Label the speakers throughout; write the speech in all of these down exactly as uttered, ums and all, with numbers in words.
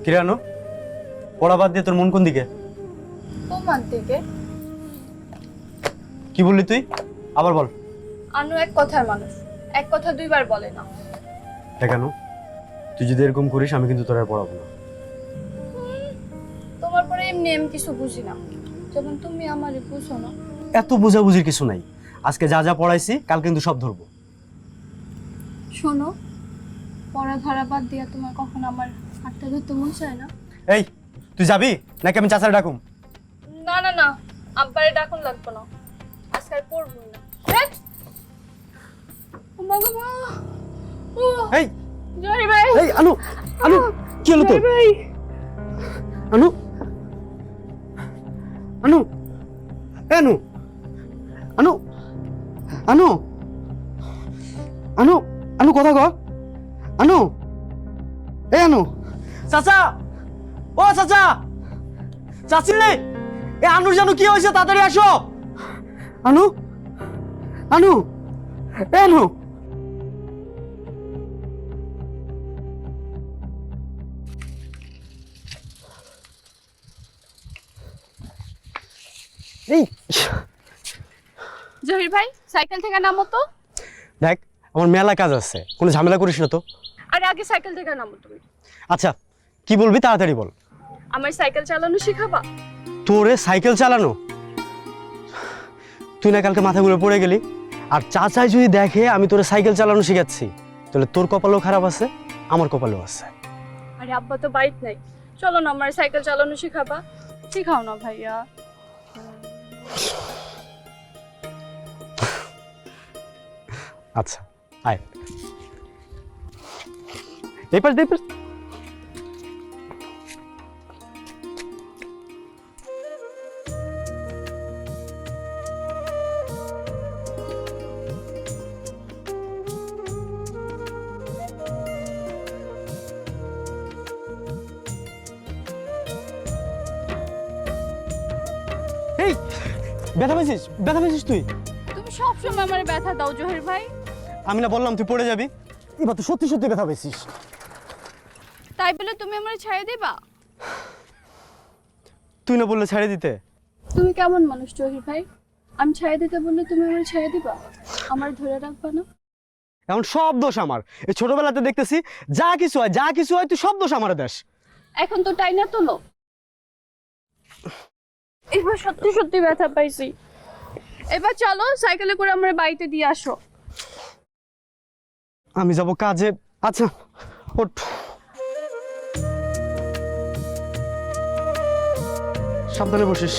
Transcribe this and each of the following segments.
Speaker 1: কিরানো পড়া বাদ দিয়ে তোর মন কোন দিকে?
Speaker 2: তোমার দিকে।
Speaker 1: কি বললি তুই? আবার বল।
Speaker 2: আনু এক কথার মানুষ, এক কথা দুইবার বলে না।
Speaker 1: কেন? তুই যদি এরকম করিস আমি কিন্তু তোর আর পড়াবো না।
Speaker 2: তোমার পরে এমনি আমি কিছু বুঝি না, যখন তুমি আমারে বুঝো না।
Speaker 1: এত বোঝাবুঝির কিছু নাই। আজকে যা যা পড়াইছি কাল কিন্তু সব ধরবো।
Speaker 2: শোনো, পড়া ধরা বাদ দিয়া তোমার কখন আমার হাতটা ধরতে মন চায় না?
Speaker 1: এই তুই যাবি নাকি আমি চাচারে ডাকুম?
Speaker 2: না না না, আব্বারে ডাকুন লাগবে না, আজকে আর পড়বো না। হ্যাঁ? ও মা গো মা। ও
Speaker 1: এই
Speaker 2: জয় ভাই।
Speaker 1: এই আনু আনু কি হলো তোর?
Speaker 2: ভাই
Speaker 1: আনু আনু এ আনু আনু আনু আনু আনু কথা কর। আনু এ আনু চাচা, ও চাচা, চাচি এ আনুর জানু কি হয়েছে? তাড়াতাড়ি আসো। আনু আনু এ আনু এই
Speaker 2: জহির ভাই, সাইকেল থেকে নামো তো।
Speaker 1: দেখ আমার মেলা কাজ আছে, কোনো ঝামেলা করিস না তো।
Speaker 2: আরে আগে সাইকেল থেকে নামো তুমি।
Speaker 1: আচ্ছা কি বলবি তাড়াতাড়ি বল।
Speaker 2: আমার সাইকেল চালানো শিখাবা?
Speaker 1: তোরে সাইকেল চালানো? তুই না কালকে মাথা ঘুরে পড়ে গেলি, আর চাচাই যদি দেখে আমি তোরে সাইকেল চালানো শিখাচ্ছি তাহলে তোর কপালও খারাপ আছে, আমার কপালও আছে।
Speaker 2: আরে আব্বা তো বাইক নাই, চলো না আমার সাইকেল চালানো শিখাবা। শিখাও না ভাইয়া।
Speaker 1: আচ্ছা আয় এই পাশ এই পাশ। এই ব্যথা পেয়েছিস? ব্যথা পেয়েছিস তুই?
Speaker 2: তুমি সবসময় আমার ব্যথা দাও জহির ভাই।
Speaker 1: আমি না বললাম তুই পড়ে যাবি? এবার তো সত্যি সত্যি ব্যথা পেয়েছিস।
Speaker 2: তাই বলে তুমি আমার ছেড়ে দিবা?
Speaker 1: তুই না বললে ছেড়ে দিতে?
Speaker 2: তুমি কেমন মানুষ জহির ভাই? আমি ছেড়ে দিতে বললে তুমি আমার ছেড়ে দিবা? আমার ধরে রাখবা না?
Speaker 1: এখন সব দোষ আমার। এই ছোটবেলাতে দেখতেছি যা কিছু হয় যা কিছু হয় তুই সব দোষ আমার দেশ।
Speaker 2: এখন তো টাইনা তোলো। এবার সত্যি সত্যি ব্যথা পাইছি। এবার চলো সাইকেলে করে আমার বাড়িতে দিয়ে আসো।
Speaker 1: আমি যাব কাজে। আচ্ছা ওঠ। সাবধানে বসিস।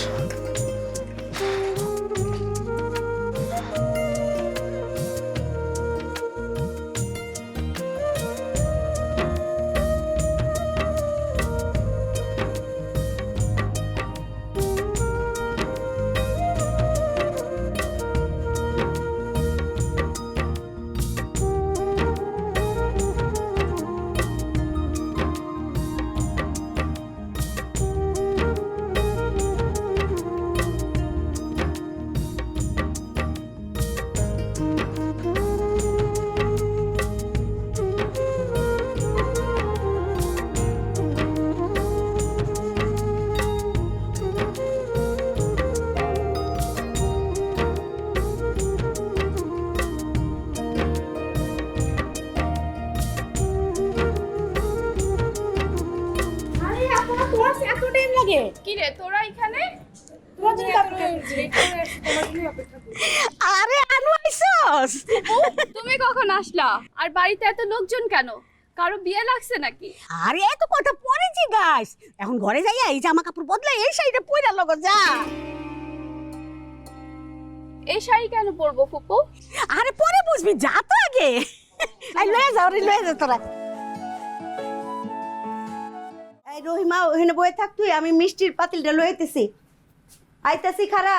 Speaker 2: কি রে তোরা এখানে?
Speaker 3: আরে আনু আইছস?
Speaker 2: তুমি কখন আসলা? আর বাড়িতে এত লোকজন কেন? কারো বিয়ে লাগছে নাকি?
Speaker 3: আরে এত কথা পরে জিগাস, এখন ঘরে যাইয়া এই জামা কাপড় বদলাই এই শাড়িটা পইরা লগো যা।
Speaker 2: এই শাড়ি কেন পরবো ফুপু?
Speaker 3: আরে পরে বুঝবি, যা তো আগে। আই লয়ে যাও রে, লয়ে যা তোরা। এই রহিমা ওখানে বয়ে থাক তুই, আমি মিষ্টির পাতিলটা লইতেছি। আইতাছি খারা।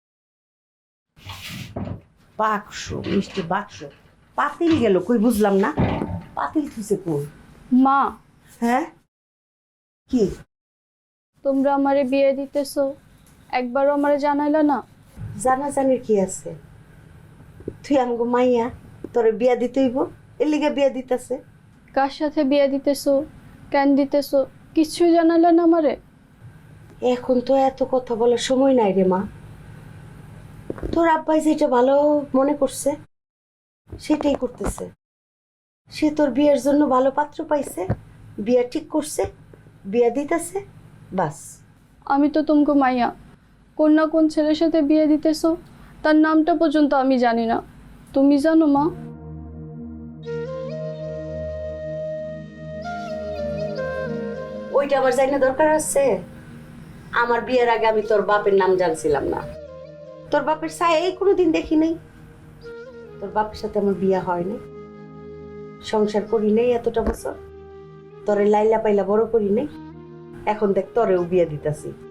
Speaker 3: বাক্স, মিষ্টি বাক্স, পাতিল গেল কই বুঝলাম না। পাতিল থুইছে কোন?
Speaker 2: মা,
Speaker 3: হ্যাঁ কি?
Speaker 2: তোমরা আমারে বিয়ে দিতেছো, একবারও আমারে জানাইলা না?
Speaker 3: জানাজানির কি আছে? তুই আমগো মাইয়া, তোরে বিয়া দিতে হইব, এর লিগে বিয়া দিতেছে।
Speaker 2: কার সাথে বিয়ে দিতেছো, কেন দিতেছো কিছুই জানালে না আমারে?
Speaker 3: এখন তো এত কথা বলার সময় নাই রে মা। তোর আব্বাই যেটা ভালো মনে করছে সেটাই করতেছে। সে তোর বিয়ের জন্য ভালো পাত্র পাইছে, বিয়া ঠিক করছে, বিয়া দিতেছে, বাস।
Speaker 2: আমি তো তুমকো মাইয়া, কোন না কোন ছেলের সাথে বিয়ে দিতেছো, তার নামটা পর্যন্ত আমি জানি না। তুমি জানো মা?
Speaker 3: ওইটা আবার জানি না দরকার আছে? আমার বিয়ের আগে আমি তোর বাপের নাম জানছিলাম না, তোর বাপের ছায়া এই কোনোদিন দেখি নাই। তোর বাপের সাথে আমার বিয়ে হয় নাই, সংসার করি নাই এতটা বছর, তোরে লাইলা পাইলা বড় করি নাই। এখন দেখ তোরেও বিয়ে দিতেছি।